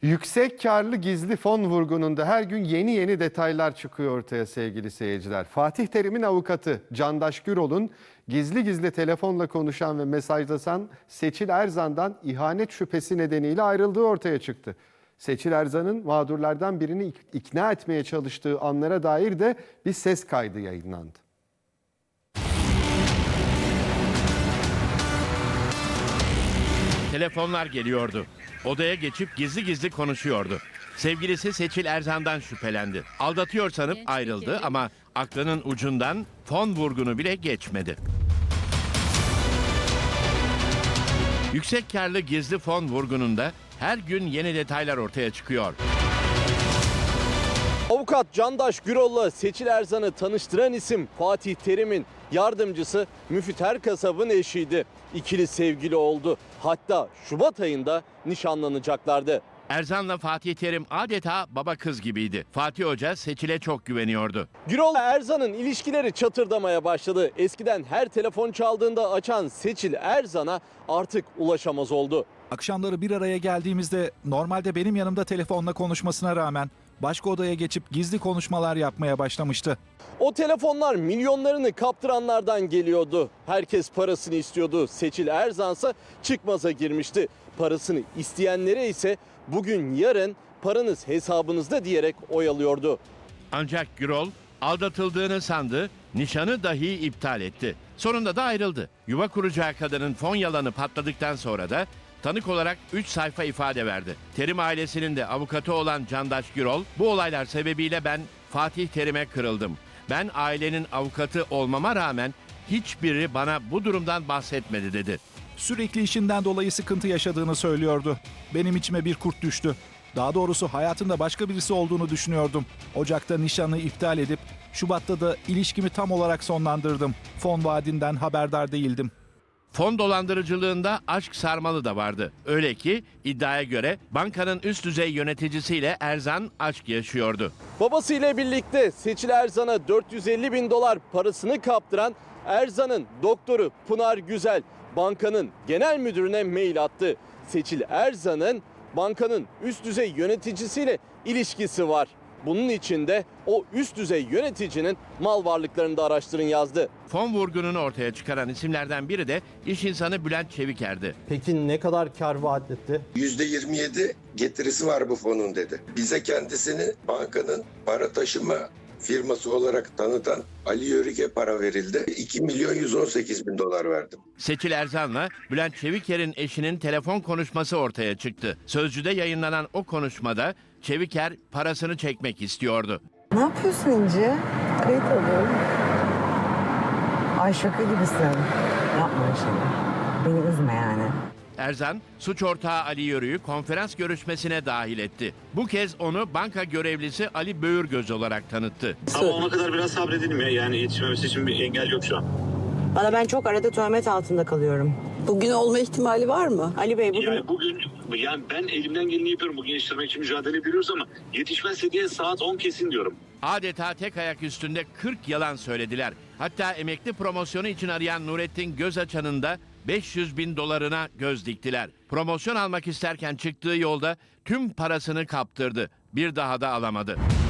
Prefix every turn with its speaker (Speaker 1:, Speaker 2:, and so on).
Speaker 1: Yüksek karlı gizli fon vurgununda her gün yeni detaylar çıkıyor ortaya sevgili seyirciler. Fatih Terim'in avukatı Candaş Gürol'un gizli telefonla konuşan ve mesajlaşan Seçil Erzan'dan ihanet şüphesi nedeniyle ayrıldığı ortaya çıktı. Seçil Erzan'ın mağdurlardan birini ikna etmeye çalıştığı anlara dair de bir ses kaydı yayınlandı.
Speaker 2: Telefonlar geliyordu. Odaya geçip gizli konuşuyordu. Sevgilisi Seçil Erzan'dan şüphelendi. Aldatıyor sanıp ayrıldı ama aklının ucundan fon vurgunu bile geçmedi. Yüksek karlı gizli fon vurgununda her gün yeni detaylar ortaya çıkıyor.
Speaker 3: Avukat Candaş Gürol'la Seçil Erzan'ı tanıştıran isim Fatih Terim'in yardımcısı Müfit Erkasap'ın eşiydi. İkili sevgili oldu. Hatta Şubat ayında nişanlanacaklardı.
Speaker 2: Erzan'la Fatih Terim adeta baba kız gibiydi. Fatih Hoca Seçil'e çok güveniyordu.
Speaker 3: Gürol'la Erzan'ın ilişkileri çatırdamaya başladı. Eskiden her telefon çaldığında açan Seçil Erzan'a artık ulaşamaz oldu.
Speaker 4: Akşamları bir araya geldiğimizde normalde benim yanımda telefonla konuşmasına rağmen başka odaya geçip gizli konuşmalar yapmaya başlamıştı.
Speaker 3: O telefonlar milyonlarını kaptıranlardan geliyordu. Herkes parasını istiyordu. Seçil Erzan'sa çıkmaza girmişti. Parasını isteyenlere ise bugün yarın paranız hesabınızda diyerek oyalıyordu.
Speaker 2: Ancak Gürol aldatıldığını sandı, nişanı dahi iptal etti. Sonunda da ayrıldı. Yuva kuracağı kadının fon yalanı patladıktan sonra da tanık olarak 3 sayfa ifade verdi. Terim ailesinin de avukatı olan Candaş Gürol, bu olaylar sebebiyle ben Fatih Terim'e kırıldım. Ben ailenin avukatı olmama rağmen hiçbiri bana bu durumdan bahsetmedi dedi.
Speaker 4: Sürekli işinden dolayı sıkıntı yaşadığını söylüyordu. Benim içime bir kurt düştü. Daha doğrusu hayatında başka birisi olduğunu düşünüyordum. Ocak'ta nişanı iptal edip Şubat'ta da ilişkimi tam olarak sonlandırdım. Fon vaadinden haberdar değildim.
Speaker 2: Fon dolandırıcılığında aşk sarmalı da vardı. Öyle ki iddiaya göre bankanın üst düzey yöneticisiyle Erzan aşk yaşıyordu.
Speaker 3: Babasıyla birlikte Seçil Erzan'a 450 bin dolar parasını kaptıran Erzan'ın doktoru Pınar Güzel bankanın genel müdürüne mail attı. Seçil Erzan'ın bankanın üst düzey yöneticisiyle ilişkisi var. Bunun için de o üst düzey yöneticinin mal varlıklarını da araştırın yazdı.
Speaker 2: Fon vurgununu ortaya çıkaran isimlerden biri de iş insanı Bülent Çeviker'di.
Speaker 3: Peki ne kadar kar vaat etti?
Speaker 5: %27 getirisi var bu fonun dedi. Bize kendisini bankanın para taşıma firması olarak tanıtan Ali Yörük'e para verildi. 2 milyon 118 bin dolar verdim.
Speaker 2: Seçil Erzan'la Bülent Çeviker'in eşinin telefon konuşması ortaya çıktı. Sözcü'de yayınlanan o konuşmada Çeviker parasını çekmek istiyordu.
Speaker 6: Ne yapıyorsun İnci? Kayıt alıyorum. Ay şaka gibisin. Yapma şimdi. Beni üzme yani.
Speaker 2: Erzan, suç ortağı Ali Yörük'ü konferans görüşmesine dahil etti. Bu kez onu banka görevlisi Ali Böğürgöz olarak tanıttı.
Speaker 7: Ama ona kadar biraz sabredelim ya. Yani yetişmemesi için bir engel yok şu an.
Speaker 6: Valla ben çok arada töhmet altında kalıyorum.
Speaker 8: Bugün olma ihtimali var mı?
Speaker 6: Ali Bey bugün...
Speaker 7: Yani ben elimden geleni yapıyorum. Bugün yetiştirmek için mücadele ediyoruz ama yetişmezse diye saat 10 kesin diyorum.
Speaker 2: Adeta tek ayak üstünde 40 yalan söylediler. Hatta emekli promosyonu için arayan Nurettin Gözaçan'ın da 500 bin dolarına göz diktiler. Promosyon almak isterken çıktığı yolda tüm parasını kaptırdı. Bir daha da alamadı.